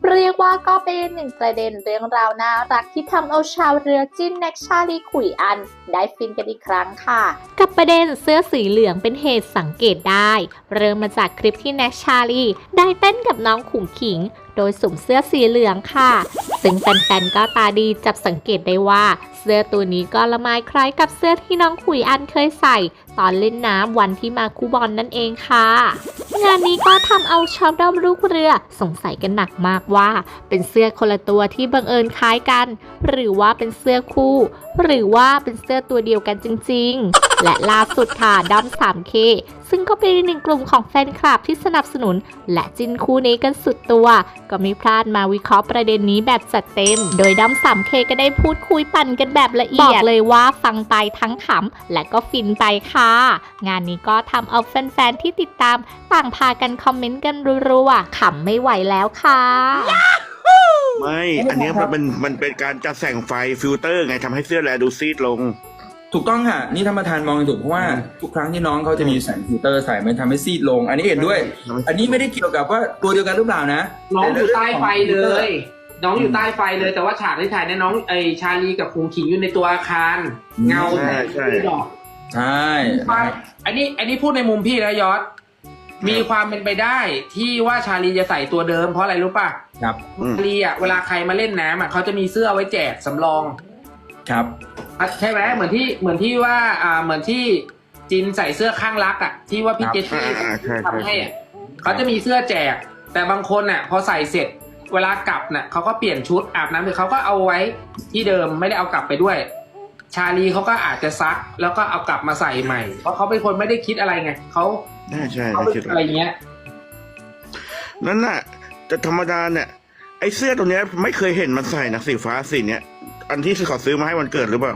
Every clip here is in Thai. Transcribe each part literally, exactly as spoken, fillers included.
เรียกว่าก็เป็นหนึ่งประเด็นเรื่องราวน่ารักที่ทำเอาชาวเรือจิ้นแน็กชาลีขุยอันได้ฟินกันอีกครั้งค่ะกับประเด็นเสื้อสีเหลืองเป็นเหตุสังเกตได้เริ่มมาจากคลิปที่แน็กชาลีได้เต้นกับน้องขุ่งขิงโดยสวมเสื้อสีเหลืองค่ะซึ่งแฟนๆก็ตาดีจับสังเกตได้ว่าเสื้อตัวนี้ก็ละไมคล้ายกับเสื้อที่น้องขุยอันเคยใส่ตอนเล่นน้ำวันที่มาคูบอลนั่นเองค่ะงานนี้ก็ทำเอาชาวด้อมลูกเรือสงสัยกันหนักมากว่าเป็นเสื้อคนละตัวที่บังเอิญคล้ายกันหรือว่าเป็นเสื้อคู่หรือว่าเป็นเสื้อตัวเดียวกันจริงๆและล่าสุดค่ะด้อม ทรี เค ซึ่งก็เป็นหนึ่งกลุ่มของแฟนคลับที่สนับสนุนและจิ้นคู่นี้กันสุดตัวก็ไม่พลาดมาวิเคราะห์ประเด็นนี้แบบจัดเต็มโดยด้อม ทรี เค ก็ได้พูดคุยปั่นกันแบบละเอียดบอกเลยว่าฟังไปทั้งขำและก็ฟินไปค่ะงานนี้ก็ทำเอาแฟนๆที่ติดตามต่างพากันคอมเมนต์กันรัวๆขำไม่ไหวแล้วค่ะไม่ อันนี้มันเป็นมันเป็นการจัดแสงไฟฟิลเตอร์ไงทำให้เสื้อแลดูซีดลงถูกต้องค่ะนี่ธรรมทานมองถูกเพราะว่าทุกครั้งที่น้องเขาจะมีแสงฟิลเตอร์ใส่มันทำให้ซีดลง อันนี้เห็นด้วย อันนี้ไม่ได้เกี่ยวกับว่าตัวเดียวกันหรือเปล่านะน้องอยู่ใต้ไฟเลย น้องอยู่ใต้ไฟเลยแต่ว่าฉากที่ถ่ายเนี่ยน้องไอชาลีกับคุงขิงอยู่ในตัวอาคารเงาใช่ใช่ดอกใช่อันนี้อันนี้พูดในมุมพี่นะยอดมีความเป็นไปได้ที่ว่าชาลีจะใส่ตัวเดิมเพราะอะไรรู้ป่ะครับชาลีอ่ะเวลาใครมาเล่นน้ำอ่ะเขาจะมีเสื้อไว้แจกสำรองครับใช่ไหมเหมือนที่เหมือนที่ว่าอ่าเหมือนที่จินใส่เสื้อข้างรักอ่ะที่ว่าพี่เจสซี่ทำให้อ่ะเขาจะมีเสื้อแจกแต่บางคนอ่ะพอใส่เสร็จเวลากลับเนี่ยเขาก็เปลี่ยนชุดอาบน้ำหรือเขาก็เอาไว้ที่เดิมไม่ได้เอากลับไปด้วยชาลีเขาก็อาจจะซักแล้วก็เอากลับมาใส่ใหม่เพราะเขาเป็นคนไม่ได้คิดอะไรไงเขาใช่ใช่เขาเป็นอะไรเงี้ยนั่นน่ะแต่ธรรมดาเนี่ยไอ้เสื้อตัวเนี้ยไม่เคยเห็นมันใส่นะสีฟ้าสีเนี้ยอันที่เขาซื้อมาให้วันเกิดหรือเปล่า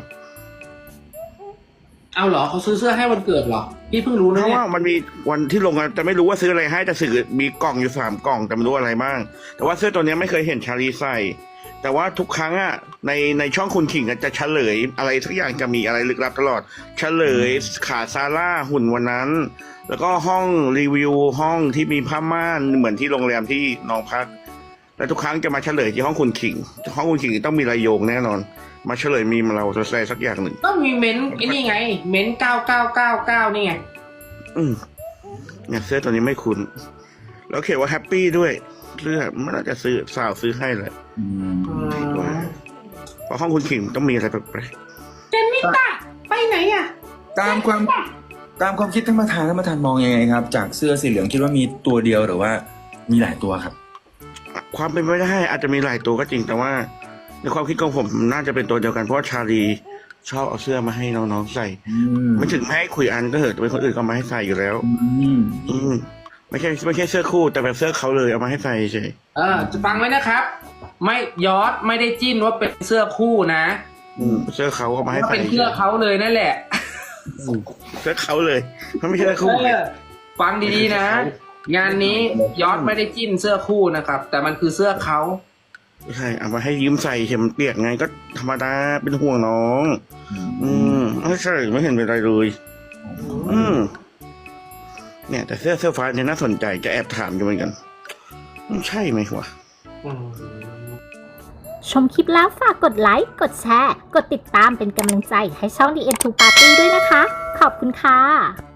เอาเหรอเขาซื้อเสื้อให้วันเกิดเหรอพี่เพิ่งรู้นะเพราะว่ามันมีวันที่ลงกันแต่ไม่รู้ว่าซื้ออะไรให้แต่สื่อมีกล่องอยู่สามกล่องแต่ไม่รู้อะไรบ้างแต่ว่าเสื้อตัวเนี้ยไม่เคยเห็นชาลีใส่แต่ว่าทุกครั้งอ่ะในในช่องคุณขิงจะเฉลยอะไรทุกอย่างจะมีอะไรลึกลับตลอดเฉลยขาซาร่าหุ่นวันนั้นแล้วก็ห้องรีวิวห้องที่มีผ้าม่านเหมือนที่โรงแรมที่น้องพักแล้วทุกครั้งจะมาเฉลยที่ห้องคุณขิงห้องคุณขิงต้องมีรายโยงแน่นอนมาเฉลยมีมาเราจะใส่สักอย่างหนึ่งต้องมีเม้นไอ้นี่ไงเม้นเก้าเก้าเก้าเก้านี่ไงอืมเนี่ยเสื้อตัวนี้ไม่คุ้นแล้วเขียนว่าแฮปปี้ด้วยเสื้อมันน่าจะซื้อสาวซื้อให้แหละเพราะห้องคุณขิงต้องมีอะไรแปลกๆเจนนิตาไปไหนอ่ะตามความตามความคิดธรรมทานธรรมทานมองยังไงครับจากเสื้อสีเหลืองคิดว่ามีตัวเดียวหรือว่ามีหลายตัวครับความเป็นไปได้อาจจะมีหลายตัวก็จริงแต่ว่าในความคิดของผมน่าจะเป็นตัวเดียวกันเพราะชาลีชอบเอาเสื้อมาให้น้องๆใส่ไม่ถึงแม้คุยอันก็เถอะแต่เป็นคนอื่นก็มาให้ใส่อยู่แล้วอืมไม่ใช่ไม่ใช่เสื้อคู่แต่แบบเสื้อเขาเลยเอามาให้ใส่เฉยเออจะฟังไว้นะครับไม่ยอดไม่ได้จิ้นว่าเป็นเสื้อคู่นะอืมเสื้อเขาเอามาให้ใส่เป็นเสื้อเขาเลยนั่นแหละเสื้อเขาเลยมันไม่ใช่เสื้อคู่ฟังดีๆนะงานนี้ยอดไม่ได้จิ้นเสื้อคู่นะครับแต่มันคือเสื้อเขาใช่เอามาให้ยืมใส่เห็นมันเปียกไงก็ธรรมดาเป็นห่วงน้องอืมไม่ใช่ไม่เห็นเป็นไรเลยอืมเนี่ยแต่เสื้อเสื้อฟ้าเนี่ยน่าสนใจจะแอบถามอยู่เหมือนกันใช่ไหมวะชมคลิปแล้วฝากกดไลค์กดแชร์กดติดตามเป็นกำลังใจให้ช่อง ดี เอ็น ทู Party ด้วยนะคะขอบคุณค่ะ